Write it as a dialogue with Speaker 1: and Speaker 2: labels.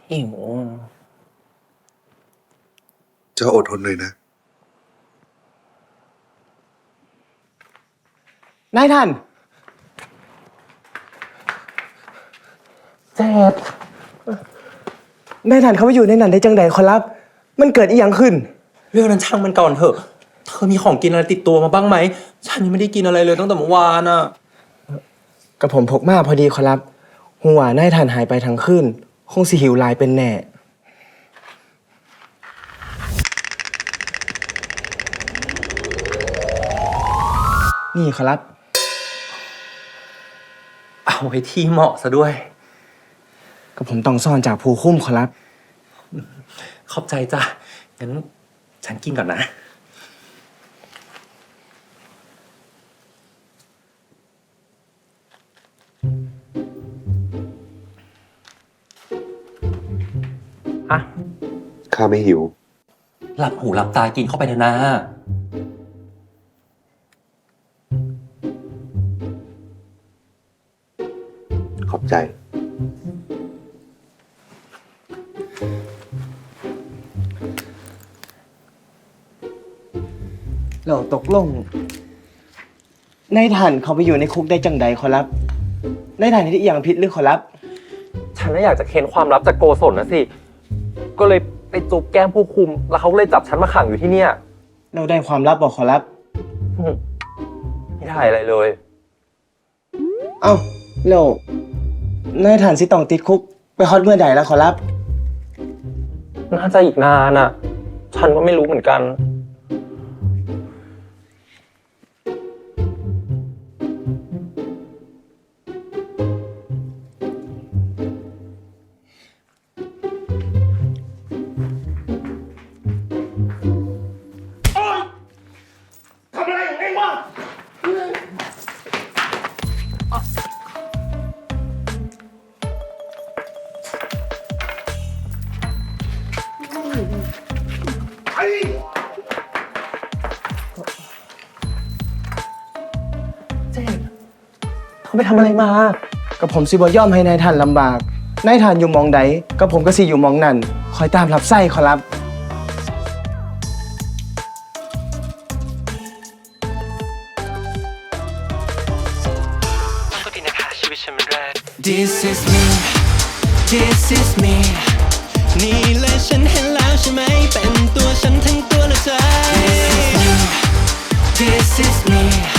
Speaker 1: หิว
Speaker 2: จะอดทนหน่อยนะ
Speaker 1: นายท่านเจ็บนายท่านเขาไปอยู่ในนั้นได้จังใดขอรับมันเกิดอีหยังขึ้น
Speaker 3: เรื่องนั้นช่างมันก่อนเถอะเธอมีของกินอะไรติดตัวมาบ้างไหมฉันยังไม่ได้กินอะไรเลยตั้งแต่เมื่อวานอ่ะ
Speaker 1: กับผมพกมาพอดีขอรับหัวนายท่านหายไปทั้งคืนคงสิหิวหลายเป็นแน่นี่ขอรับ
Speaker 3: เอาไว้ที่เหมาะซะด้วย
Speaker 1: กับผมต้องซ่อนจากผู้คุ้มขอรับ
Speaker 3: ขอบใจจ้ะงั้นฉันกินก่อนนะอะ
Speaker 2: ข้าไม่หิว
Speaker 3: หลับหูหลับตากินเข้าไปเถอะนะ
Speaker 2: ขอบใจ
Speaker 1: เราตกลงนายท่านเขาไปอยู่ในคุกได้จังใดขอรับนายท่านที่อย่างผิดหรือขอรับ
Speaker 3: ฉันน่ะอยากจะเค้นความลับจากโกศลนะสิก็เลยไปจูบแก้มผู้คุมแล้วเขาเลยจับฉันมาขังอยู่ที่เนี่ย
Speaker 1: เราได้ความลับบอกขอรับ
Speaker 3: ไม่ได้อะไรเลย
Speaker 1: เอ้าแล้วนายท่านสิต้องติดคุกไปฮอดเมื่อใดแล้วขอรับ
Speaker 3: น่าจะอีกนานอ่ะฉันก็ไม่รู้เหมือนกันเขาไปทำอะไรมา
Speaker 1: กับผมสิบ่ยอมให้นายท่านลำบากนายท่านอยู่มองใดกับผมก็สิอยู่มองนั่นคอยตามรับไส้ขอรับ
Speaker 3: ก็ดีนะคะชีวิตฉันมันแรก
Speaker 4: This is me This is me นี่เลยฉันเห็นแล้วใช่ไหมเป็นตัวฉันทั้งตัวและใจ This is me